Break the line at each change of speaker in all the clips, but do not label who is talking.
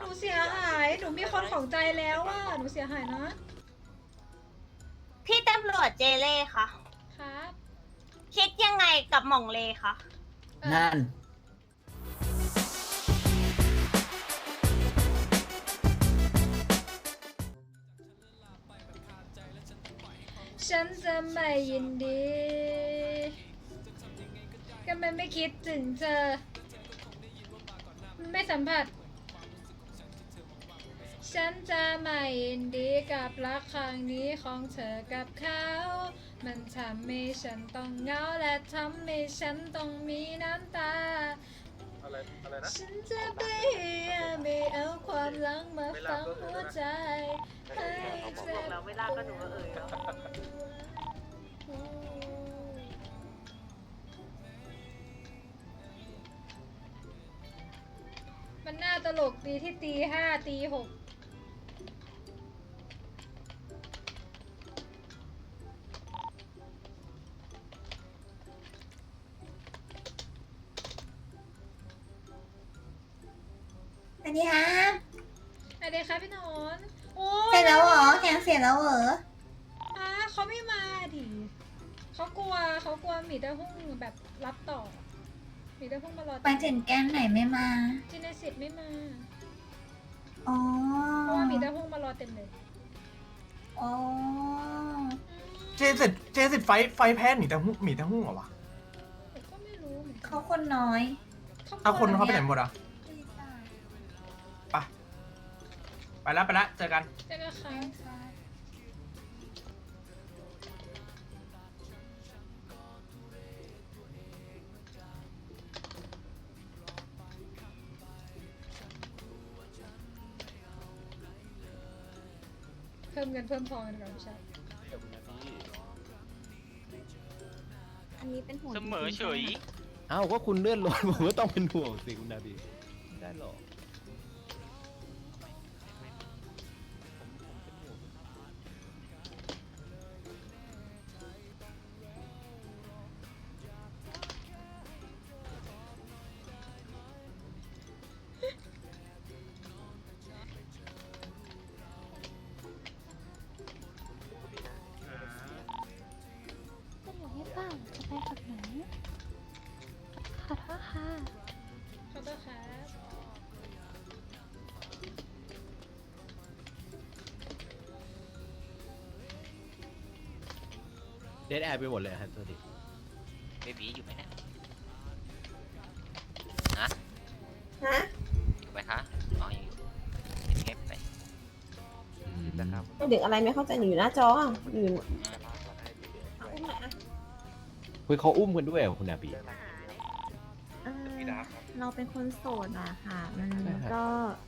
นูเสียหายหนูมีคนของใจแล้วอ่ะหนูเสียหายนะ
พี่ตำรวจเจเล่คะ
ครับ
คิดยังไงกับหม่องเลคะ
นั่น
ฉันจะไม่ยินดี ก็มันไม่คิดถึงเธอ ไม่สัมผัส ฉันจะไม่ยินดีกับรักครั้งนี้ของเธอกับเขา มันทำให้ฉันต้องเหงาและทำให้ฉันต้องมีน้ำตา
อะไรนะ
ฉันจะพยายามไม่เอาความหลังมาฝังหัวใจให้เจ็บ
แล้วเวลาก็หนูก็เอ่ยแล้ว
มันน่าตลกดีที่ตี5ตี6
สวัสดีครับ
อะไรคะพี่หนอนโอ้
เสร็จแล้วเหรอแข่งเสร็จแล้วเหรอ
เขาไม่มาดิเขากลัวหมีเต้าหู้แบบรับต่อหมีเต้าหู้มารอ
ไปถึงแก้มไหนไม่มา
จินสิทธิ์ไม่มา
อ๋อ
เพราะว่าหมีเต้าหู้มารอเต็มเลย
อ๋อ
เจสิไฟแพ้หมีแต่หุ้งเหรอวะ
ผมก็ไม่รู้เหมือนกั
เขาคนน้อย
เอาคนเขาไปไหนหมดอ่ะไปแล้วเจอกัน
เจ๊ก็ค้างเพิ่มเงินเพิ่มทองกันก่อนพี่ชาย
อันนี้เป็นห่วง
เสมอเฉย
เอ้าก็คุณเลื่อนรถ ผมก็ต้องเป็นห่วงสิคุณนาบีไม่ได้หรอก
จะอยู่ให้เปล่าจะไปกับหนูขอโทษค่ะ
ขอโทษครับ
เดดแอร์ไปหมดเลยฮะโทษที
เบบีอยู่ไหมเนี่ย
ฮะ
อยู่ไหมคะอ๋ออยู่เงียบไป
นะครับ
เด็กอะไรไม่เข้าใจหนูอยู่หน้าจออยู่
คุยเขาอุ้มกันด้วยเหรอคุณนาบี
เราเป็นคนโสดอะค่ะ มัน
ใช่ครับ
ก็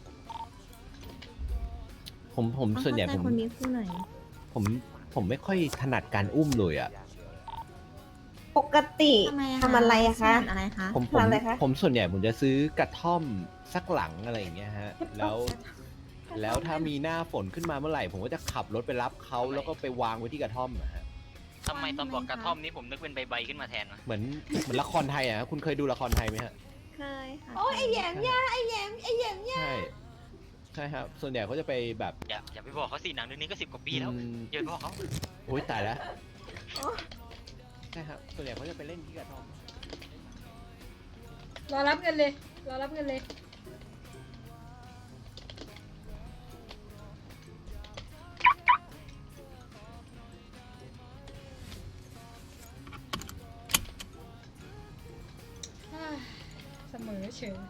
ผมส่วนใหญ่ผม
คนนี้คู่หน่อย
ผมไม่ค่อยถนัดการอุ้มเลยอ่ะ
ปกติ
ทำไมอะ
ทำอะไรอะคะ
อะไรคะ
ผม
ทำอะไรคะ
ผมส่วนใหญ่ผมจะซื้อกระท่อมสักหลังอะไรอย่างเงี้ยฮะ แล้วถ้ามีหน้าฝนขึ้นมาเมื่อไหร่ ผมก็จะขับรถไปรับเขาแล้วก็ไปวางไว้ที่กระท่อมอะฮะ
ทำไมตอนบอกกระท่อมนี้ผมนึกเป็นใบๆขึ้นมาแทนวะ
เหมือนละครไทยอ่ะ คุณเคยดูละครไทยไหมฮะ
เคยค่ะ
โอ้ยไอแหยมย่าไอแหยมย่า
ใช่ ใช่ครับ ส่วนใหญ่เขาจะไปแบบ
อย่าไปบอกเขาสิหนังเรื่องนี้ก็10 กว่าปีแล้ว
อืม
อย่าไปบอกเขา
โอ๊ยตายแล้วใช่ครับ ส่วนใหญ่เขาจะไปเล่นที่กระท่อม
รอรับเงินเลย รอรับเงินเลย เสมอเฉย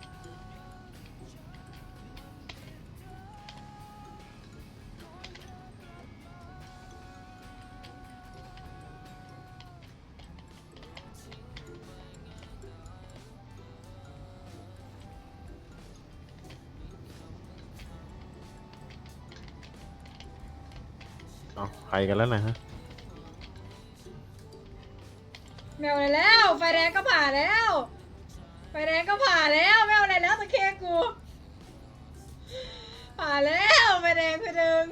เอาใครกันแล้วนะฮะ
แมวอะไรแล้ว ไฟแดงก็ผ่าแล้ว ไฟแดงก็ผ่าแล้วไม่เอาอะไรแล้วตะเคกู ผ่าแล้วไฟแดงคือหนึ่ง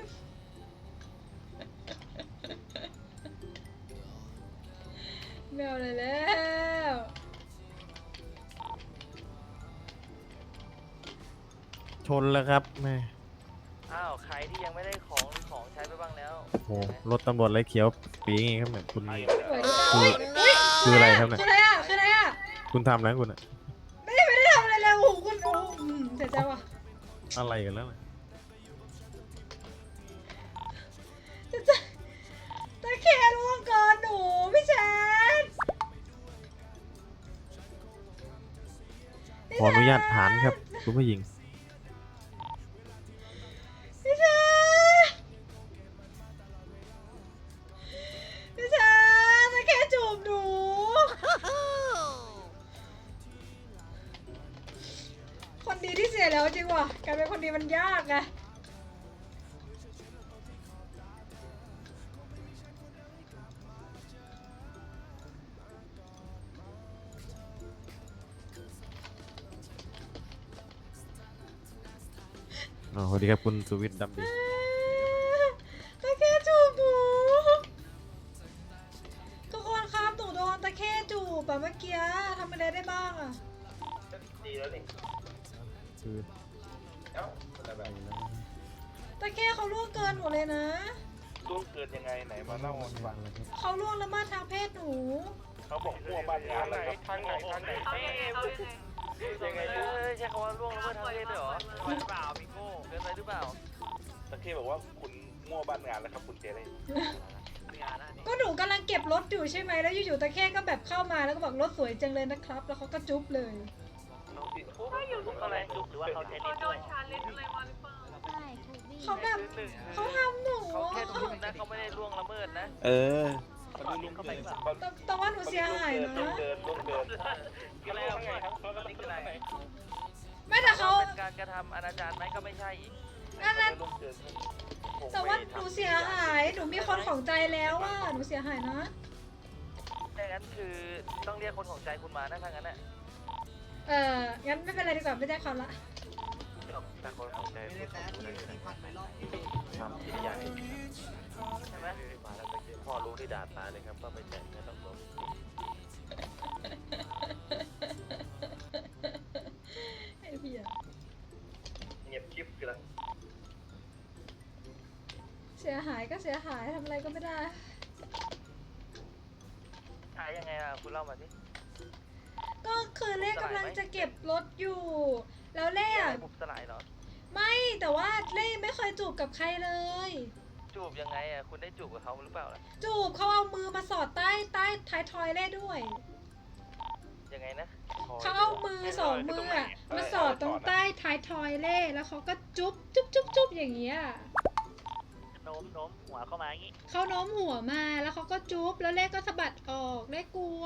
ไม่เอาอะไรแล้ว
ชนแล้วครับแม่
อ้าวใครที่ยังไม่ได้ของหรือของใช้ไปบ้างแล้ว
โอ้โหรถตำรวจไรเขียวปีงี้ครับเนี่ยคุณ
โอ้ย
คืออะไรครับเนี่ย
คืออะไรอ่ะคืออะไรอ่ะ
คุณทำแล้วคุณอะ
ไม่ได้ทำอะไรเลยโอ้โหคุณโอ้เสียใจว่ะ
อะไรกันแล้วเนี่ย
ตะแคร่ร่วงเกินหนูพี่แชน
ขออนุญาตผ่านครับคุณผู้หญิง
พี่แชนพี่แชนตะแคร่จูบหนู คนดีที่เสียแล้วจริงว่ะการเป็นคนดีมันยากไง
อ๋อสวัสดีครับคุณสุวิทย์ดำดี
ตะแคร่จูบหนูทุกคนครับหนูโดนตะแคร่จูบแบบเมื่อกี้ทำอะไรได้บ้างอะ
คือ
ตะแคร่เขาล่วงเกินหนูเลยนะ
ล่วงเกินยังไงไหนมาเล่าให้ฟัง
เขาล่วงละเมิดทางเพศหนู
เขาบอกมั่วบ้านงานนะครับทางไหนยังไง
ใช้คำว่าล่วงละเมิดทางเพศด้วยเหรอเกินไปหรือเปล่าพี่โก้เกินไปหรือเปล่า
ตะเคบอกว่าคุณมั่วบ้านงานแล้วครับคุณเจเล่
งานนะนี่
ก็หนูกำลังเก็บรถอยู่ใช่ไหมแล้วอยู่ๆตะแคร่ก็แบบเข้ามาแล้วก็บอกรถสวยจังเลยนะครับ แล้วเขาก็จุ๊บเลย
อะไรจุกหรือว่าเขาใช้ลิ้นด้วย
ใช่ถูกดี
เขาแบบเขาทำหนู
เขาแค่จุกนะเขาไม่ได้ล่วงละเมิดนะ
เออ
เข้าไปหรือเปล่า
แต่ว่าหนูเสียหายนะ
ล่วงเกิน
คือแล้วนี่คืออะไร
ไม่แต่เขา
เป็นการกระทำอนาจารไหมก็ไม่ใช่อีก
อันนั้น
ล่วงเกิน
แต่ว่าหนูเสียหาย หนูมีคนของใจแล้วว่าหนูเสียหายนะ
ดังนั้นคือต้องเรียกคนของใจคุณมานะถ้างั้นน่ะ
งั้นไม่เป็นไรดีกว่าไม่แจ้งความละ
แต่คนของใจคุณทำที่ใหญ่ใช่ไหมมาแล้วตะกี้พ่อรู้ที่ด่าตาเลยครับว่าไม่แจกเงินต้องลบ
ไอ้เหี้ย
เงียบคลิปกันแล้ว
เสียหายก็เสียหายทำอะไรก็ไม่ได้
ขายยังไงอ่ะคุณเล่ามาสิ
ก็คือเล่กำลังจะเก็บรถอยู่ แล้วเล่อะ
บุบสลายเหรอ
ไม่แต่ว่าเล่ไม่เคยจูบกับใครเลย
จูบยังไงอ่ะคุณได้จูบกับเขาหรือเปล่าล่ะ
จูบเขาเอามือมาสอดใต้ท้ายทอยเล่ด้วย
ยังไงนะ
เขาเอามือสองมืออะมาสอดตรงใต้ท้ายทอยเล่แล้วเขาก็จุ๊บจุ๊บจุ๊บจุ๊บอย่างเงี้ย
โน้มหัวเข้ามาอย่างงี้
เขาโน้มหัวมาแล้วเขาก็จุ๊บแล้วเล่ก็สะบัดออกเล่กลัว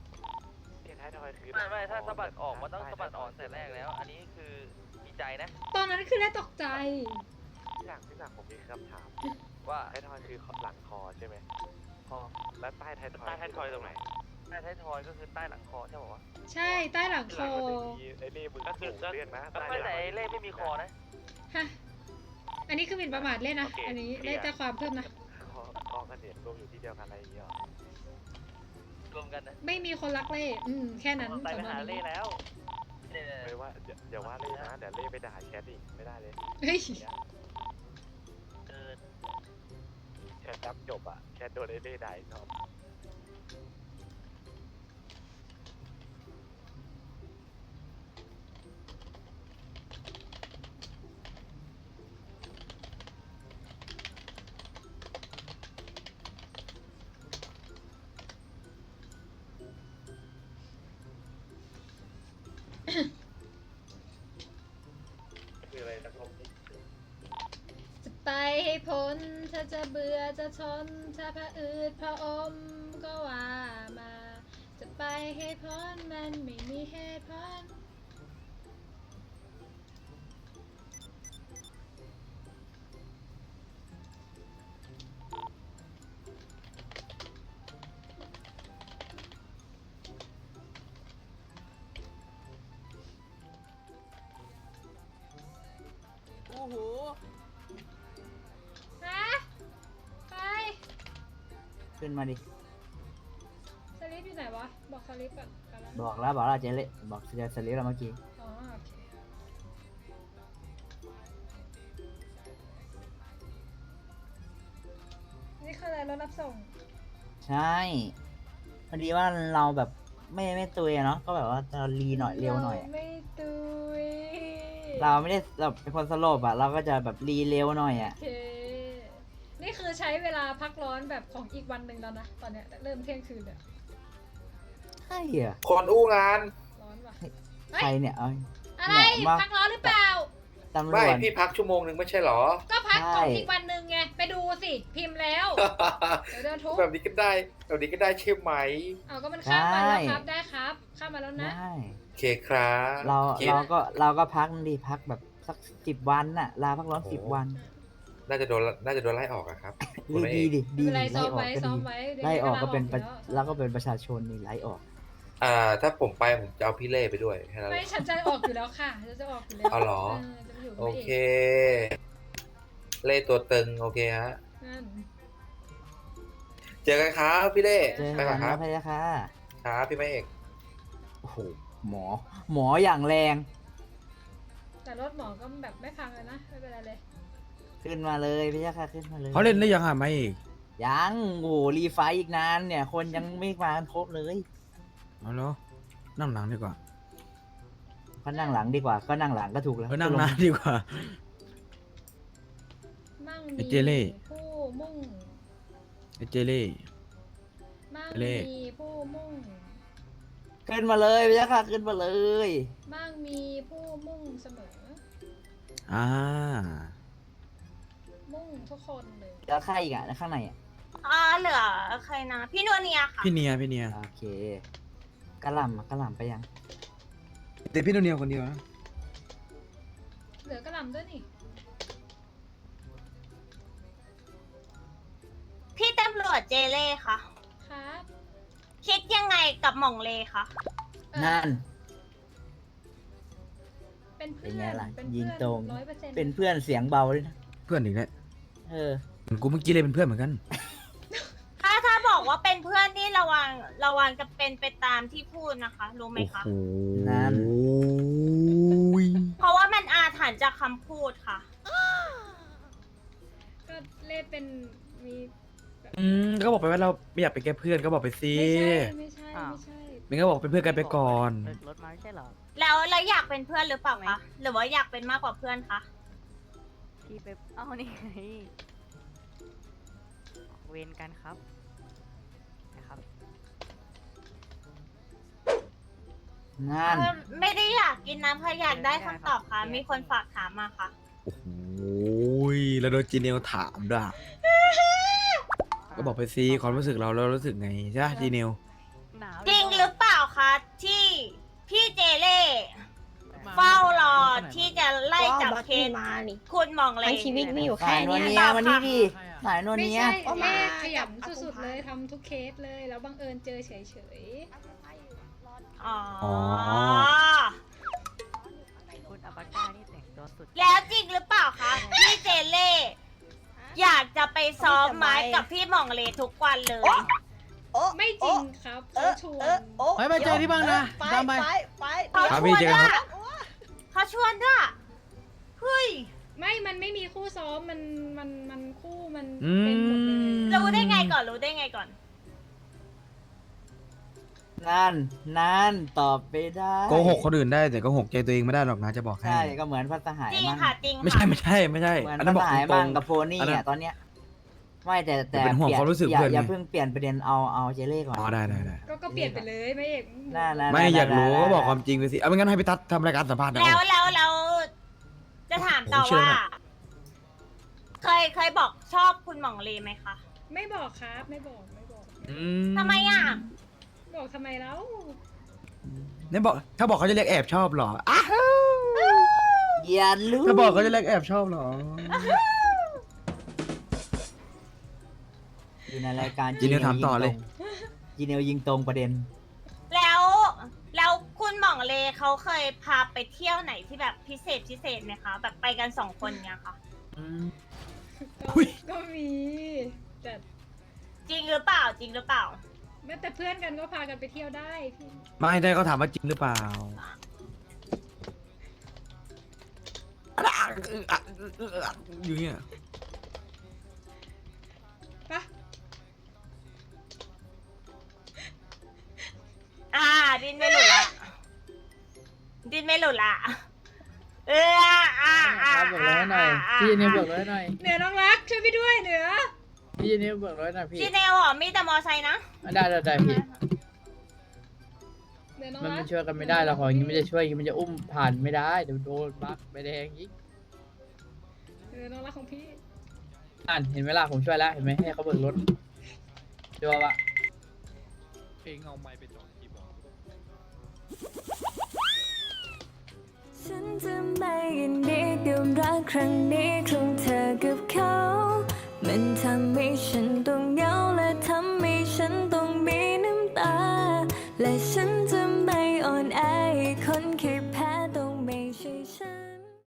ไม่ถ้าสะบัดออกมันต้องสะบัดออกแต่แรกแล้ว อันนี้คือมีใจนะ
ตอนนั้นคือเล่ตกใจ
พี่หลักผมมีคำถาม
ว่า
ท้ายทอยคือหลังคอใช่ไหมคอและใต้ท้ายทอยตรงไหน
ใต้ท้ายทอยก็คือใต้หลังคอใช่ป่าวะ
ใช่ใต้หลังคอ
ไอ้เล่มึงก็คือเรียกนะ
ไม่แต่ไอ้เล่ไม่มีคอนะ
ฮะอันนี้คือหมิ่นประมาทเล่นะ อันนี้เล่แจ้งความเพิ่มนะ
คอกันเด็ดรวมอยู่ที่เดียวกันอะไรอย่างเงี้ย
รวมกันนะ
ไม่มีคนรักเล่แค่นั้น
ไปหาเล่แล้ว
ไม่ว่าอย่าว่าเล่นะเดี๋ยวเล่ไปด่าแคทอีกไม่ได้เลย
เฮ้ย
เกิน
แคทดับจบอ่ะแคทโดนไอ้เล่ด่าอีกรอบ คืออะไรสักลม
จะไปให้พ้นถ้าจะเบื่อจะทนถ้าพระอืดพระอมก็ว่ามา จะไปให้พ้นมันไม่มีเหตุผล
โอ้โห
ฮะไป
ขึ้นมาดิ
สลิปอยู่ไหนวะ บอกสลิปก่อนกันแล้ว
บอกแล้วเจเล่บอกสลิปเราเมื่อกี้
อ๋อโอเคอะไรรถรับส่ง
ใช่พอดีว่าเราแบบไม่ตุยอะเนาะก็แบบว่าจะรีหน่อยเร็วหน่อยอะ
ไม่ตุย
เราไม่ได้แบบเป็นคนสลบอะเราก็จะแบบรีเร็วหน่อยอะ
โอเค นี่คือใช้เวลาพักร้อนแบบของอีกวันหนึ่งแล้วนะ ตอนเนี้ยเริ่มเที่ยงคืนเนี่ย
ใช่เหรอ
คนอู้งาน
ร้อนว่ะ
ใครเนี่ยเอา
อะไร
เนี่ยมา
พักร้อนหรือเปล่า
ตำร
ไม่
วจ
พี่พักชั่วโมงหนึ่งไม่ใช่เหรอ
ก็พัก
ใช่
ของอีกวันหนึ่งไง ไปดูสิ พิมพ์แล้ว เดี๋ยวโดนทุบ
แบบนี้ก็ได้แบบนี้ก็ได้ใช่ไหม
เอาก็มันข้ามมาแล้วครับ ได้ครับ ข้ามมาแล้วนะ
ได้
โอเคครับ
เรา
โอเค
ก็พักดีพักแบบสัก10 วันน่ะลาพักร้อน10 วัน
น่าจะโดนไล่ออกอะครับคุณ
ดี
แม่
ดีดิ
ไม่
ดี
เป็นไร
ไล่
ซ้อม
ออก
ไว้
ก็
ซ้อ
ดี
มไว้เดี๋ยว
ไล่ออกก็เป็น
ดี๋ยว
แล้วก็เป็นประชาชนนี่ไล่ออก
ถ้าผมไปผมจะเอาพี่เล่ไปด้วยแค่นั้นแห
ไม่
ละ
ฉันจะออกอยู่แล้วค่ะฉันจะออกอยู่แล้ว
เอาเหรอ
จะไปอยู่กับ
โอ
แม่
เค
เอก
เล่ตัวตึงโอเคฮะ
นั่น
เจอกันครับพี่เล่
เจอ
ไป
กั
ก่อน นครับ
นะพะยะค่ะ
ครับพี่แม่เอก
โอ้โหหมออย่างแรง
แต่รถหมอก็แบบไม่พังเลยนะ ไม่เป็นไรเลย
ขึ้นมาเลยพะยะค่ะขึ้นมาเลย
เขาเล่นได้ยังอ่ะไม่อีก
ยังโอ้โหรีไฟท์อีกนานเนี่ย คนยังไม่มากันครบเลย
เอาเนาะนั่งหลังดีกว่า
ก็นั่งหลังดีกว่า ก็นั่งหลังก็ถูกแล้ว
นั่งหน้าดีกว่า
มั่ง
ไอ้
มี
เจเล่
ผู้มุ่ง
ไอ้เจเล่
มั่ง
เล่
มีผู้มุ่ง
ขึ้นมาเลยพะยะค่ะขึ้นมาเลย
มั่งมีผู้มุ่งเสมอ
อ่า
มุ่งทุกคนเลย
แล้วใครอีกอ่ะข้างในอ่ะ
เหลือใครนะ พี่นวเนียค่ะ
พี่เนียพี่เนีย
โอเคกระหล่ำอะกระหล่ำไปยัง
แต่พี่โนเนียคนเดียวนะ
เหลือกระหล่ำด้วยนี่
พี่ตำรวจเจเล่ค่ะ
ครับ
คิดยังไงกับหม่องเลคะ
นั่น
เป็น
เป็
เพื่
น
อน
ไงล่ะ
เป็น
ยิ
เพื่
ง
อน
ตรง
100%
เป็นเพื่อนเสียงเบาด้วยนะ
เพื่อนอีกแล้ว
เออ
เหมือนกูเมื่อกี้เลยเป็นเพื่อนเหมือนกัน
ถ้าบอกว่าเป็นเพื่อนนี่ระวังจะเป็นไปตามที่พูดนะคะ รู้ไหม
โอ้
คะ
โห
นั่น
เพราะว่ามันอาถรรพ์จากคำพูดค่ะ
ก็เล่เป็นมี
ก็บอกไปว่าเราไม่อยากเป็นแค่เพื่อนก็บอกไปสิ
ไม่ใช่
อ้าว
ไม่ใช่
มันก็บอกเป็นเพื่อนกันไปก่อน
รถมาไม่ใช่เหรอ
แล้วอยากเป็นเพื่อนหรือเปล่าคะ หรือว่าอยากเป็นมากกว่าเพื่อนคะ
พี่ไปเอานี่ไงเวรกันครับนะครับนั่น
ไม่ได้อยากกินน้ำค่ะอยากได้คำตอบค่ะ มีคนฝากถามมาค่ะ
โอ้โหแล้วโดนจีเนียลถามด้วยก็บอกไปสิความรู้สึกเราแล้วรู้สึกไงใช่ไหมจีเนียล
จริงหรือเปล่าคะที่พี่เจเล่เฝ้ารอที่จะไล่จับเคสคุณหมองเลย
ชีวิตมีอยู่
สายนวลเนียมานี่ดิสายนวล
ไม่
เนีย
ใช่แม่ขยันสุดๆเลยทำทุกเคสเลย แล้วบังเอิญเจอเฉย
อ๋อ
คุณอัปก้านี่แต่งตัวสุด
แล้วจริงหรือเปล่าคะพี่เจเล่อยากจะไปซ้อมไม้กับพี่หมองเลทุกวันเลย
ๆ ไม่จริงครับเขาชวน
ไปเจอที่บ้างนะตามไป
เขา
ครับ
ช
พี่
วน
เจอ
ด้
กั
วน ย
ครับ
เขาชวนด้วยเฮ้ย
ไม่มันไม่มีคู่ซ้อมมันคู่มัน
อื
เป็นหมดเลย
ม
รู้ได้ไงก่อนรู้ได้ไงก่อน
นั่นตอบไปได้
โกหกคนอื่นได้แต่โกหกใจตัวเองไม่ได้หรอกนะจะบอกให้
ใช่ก็เหมือนพัสหาย
จริง
มั่ง
ค่ะจริง
ไม่ใช่
ค่ะ
ไม่ใช่ไม่ใช่
เหมือน
อันนั้
พั
น
ส
บอก
หาย
ตร
มั่
ง
งกับโพนี่
อันนั้น
อ่ะตอนเนี้ยไม่แต่
เป็นห่วงความรู้สึก
อย่า
เพื่อนไง
อย่าเพิ่งเปลี่ยนประเด็นเอาเจเล่ก่อน
อ๋อได้
ก็เปลี่ยนไปเลยไม่เอก
ได้
ไม่อยากรู้ก็บอกความจริงไปสิเอาไม่งั้นให้พี่ทัศน์ทำรายการสัมภาษณ์นะ
แล้วจะถามต่อ
ผมเชื่อ
ว่า
นะ
เคยบอกชอบคุณหม่องเลไหมคะ
ไม่บอกครับไม่บอก
ทำไมอ่ะ
บอกทำไมแล้ว
เนี่ยบอกถ้าบอกเขาจะเรียกแอบชอบเหรออ่ะ
อย่ารู้
ถ้าบอกเขาจะเรียกแอบชอบเหรอ
อยู่ในรายการ
จีเนียลถามต่อเลย
จีเนียลยิงตรงประเด็น
แล้วคุณหม่องเลเขาเคยพาไปเที่ยวไหนที่แบบพิเศษไหมคะ แบบไปกัน2 คนเนี่ยค่ะ
ก็มีแต่
จริงหรือเปล่า
แม้แต่เพื่อนกันก็พากันไปเที่ยวได้พี่
ไม่ได้เขาถามว่าจริงหรือเปล่าอยู่เนี่ย
ปะ
ดิ้นไม่หลุดละดิ้นไม่หลุดละ
บอกร้อยหน่อยพี่เนี่ยบอกร้อยหน่อย
เหนือน้องรักช่วยพี่ด้วยเหนือ
พี่เนี่ยบอกร้อยหน่อยพี่
พี่เนลเหรอมีแต่มอไซค์นะ
ได้พี่
เหนือน้อง
มัน
รั
ไม่
ก
ช่วยกันไม่ได้หรอกอย่างนี้มันจะช่วยอย่างนี้มันจะอุ้มผ่านไม่ได้เดี๋ยวโดนบักไปแดงอีก
เหนือน้องรักของพี่
เห็นไหมล่ะผมช่วยแล้วเห็นไหมให้เขาเบิกรถดูว่าเพลงเอาไม้ไปจอดคีย์บอร์ด
ฉันจะไม่ยินดีกับรักครั้งนี้